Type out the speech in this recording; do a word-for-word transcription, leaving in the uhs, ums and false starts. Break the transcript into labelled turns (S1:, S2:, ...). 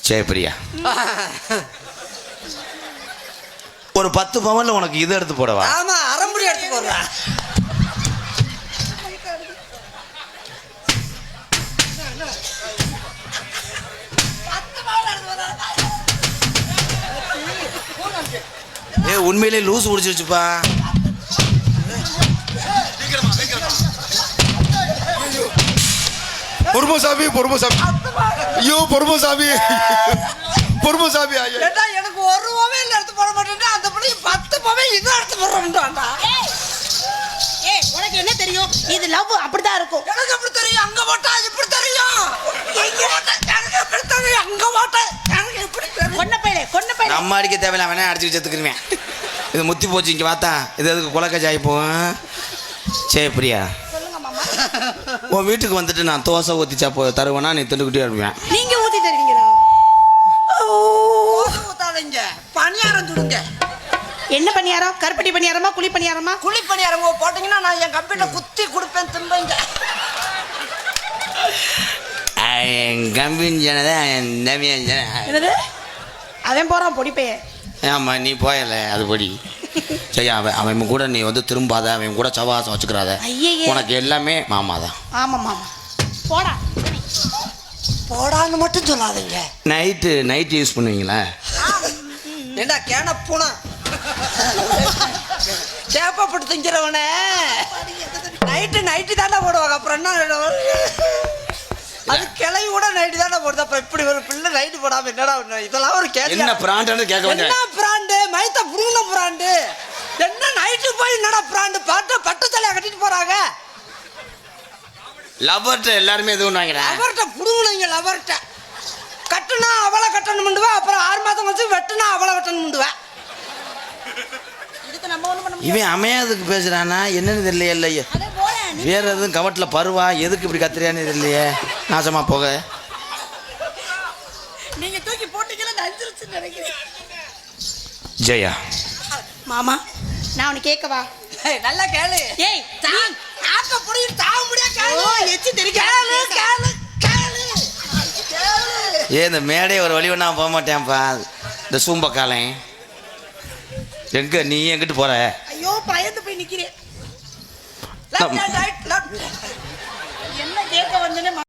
S1: சரி பிரியா, ஒரு பத்து பவன்ல உனக்கு இது எடுத்து போடவா?
S2: ஆமா, அரைமுடி எடுத்து போடுறா.
S1: ஏ உண்மையிலே லூஸ் குடிச்சிருச்சுப்பா.
S3: பொறுமசாமி பொறுமசாமி ஐயோ பொறுமசாமி பொறுமசாமி ஐயோ
S2: எனக்கு ஒரு ரூபாவே இல்லை எடுத்து போட மாட்டேன். அந்த பிள்ளை பத்து ரூபாவே இது எடுத்து போடுறோம்டா.
S4: ஏய் உனக்கு என்ன தெரியும்? இது லவ் அப்படிதான் இருக்கும்.
S2: எனக்கு எப்படி தெரியும்? அங்க போட்டா இப்படி தெரியும். எங்க போட்டா எனக்கு எப்படி தெரியும்? அங்க போட்டா எனக்கு எப்படி தெரியும்?
S4: கொன்ன பையலே கொன்ன பையலே.
S1: நம்ம அடிக்க தேவையில்ல, அவனே அடிச்சு செத்துக்குருவேன். இது முத்தி போச்சு இங்கே பார்த்தா. இது எதுக்கு குலக்கஜாயி போவேன்? சரி பிரியா,
S4: சொல்லுங்க மாமா.
S1: உன் வீட்டுக்கு வந்துட்டு நான் தோசை ஊற்றிச்சா போ தருவேன்னா நீ திண்டுக்கிட்டே இருப்பேன்.
S4: நீங்க ஊத்தி தருவீங்களா?
S2: ஊத்தாதீங்க, பணியாரம் சுடுங்க.
S4: என்ன பணியாரம்? கருப்பட்டி பணியாரமா குழி பணியாரமா?
S2: குழி பணியாரம் போட்டீங்கன்னா நான் என் கம்பிட்ட குத்தி கொடுப்பேன், திம்பங்க.
S1: கம்பின் ஜனதா
S4: என்னது? அவன் போறான் பொடி பையன்.
S1: ஆமாம், நீ போயல அது படி. சரி, அவன் அவன் கூட நீ வந்து திரும்பாத, அவன் கூட சவாசம் வச்சுக்கிறாத. உனக்கு எல்லாமே மாமா தான்.
S4: ஆமாம் மாமா. போடா
S2: போடான்னு மட்டும் சொல்லாதீங்க.
S1: நைட்டு நைட்டு யூஸ் பண்ணுவீங்களா?
S2: ஏண்டா கேன பூனா சேப்பப்பட்டு திங்கிறவனே நைட்டு நைட்டு தானே போடுவாங்க. அப்புறம் என்ன, அது கிளவி கூட நைட்டு தானே போடுது. அப்ப இப்படி ஒரு பிள்ளை நைட்டு போடாம என்னடா? இதெல்லாம் ஒரு கேள்வி.
S1: என்ன பிராண்டு கேட்க வேண்டிய
S2: என்ன பிராண்டு? மைத்த புடுங்கின பிராண்டு என்ன? நைட்டு போய் என்னடா பிராண்டு? பாட்டு பட்டு தலையா கட்டிட்டு போறாங்க.
S1: லவர்ட்ட எல்லாருமே எதுவும் வாங்கிறேன்.
S2: லவர்ட்ட புடுங்கினீங்க. லவர்ட்ட கட்டுனா அவளை கட்டணும் பண்ணுவேன். அப்புறம் ஆறு மாதம் வச்சு வெட்டுனா அவளை வெட்டணும் பண்ணுவேன்.
S4: இதுக்கு நம்ம ஒண்ணு பண்ண முடியாது.
S1: இவன் அமையாதுக்கு பேசுறானா என்னன்னு தெரியலையே. இல்லையே
S4: அதே போறேன்.
S1: வேற எதுவும் கவட்டில் பருவா எதுக்கு இப்படி கத்துறியான்னு தெரியலையே. நாசமா போக.
S4: நீங்க தூக்கி போட்டீங்களா? நஞ்சிருச்சுன்னு நினைக்கிறேன்.
S1: ஜெயா
S4: மாமா, நான் உனக்கு கேட்கவா?
S2: ஏய், நல்லா கேளு.
S4: ஏய்
S2: தான் ஆக்க புடிச்சு தாவ முடியா கேளு.
S4: ஓ, எச்சி தெரிக்க.
S2: கேளு கேளு கேளு கேளு.
S1: ஏ இந்த மேடை ஒரு வழி ஒன்றா போக மாட்டேன்ப்பா. இந்த சூம்பக்காலன் எங்க நீ எங்கிட்டு போற?
S4: ஐயோ பயந்து போய் நிக்கிறேன்.
S2: Left hand right left.
S4: என்ன கேட்க வந்தேன்னு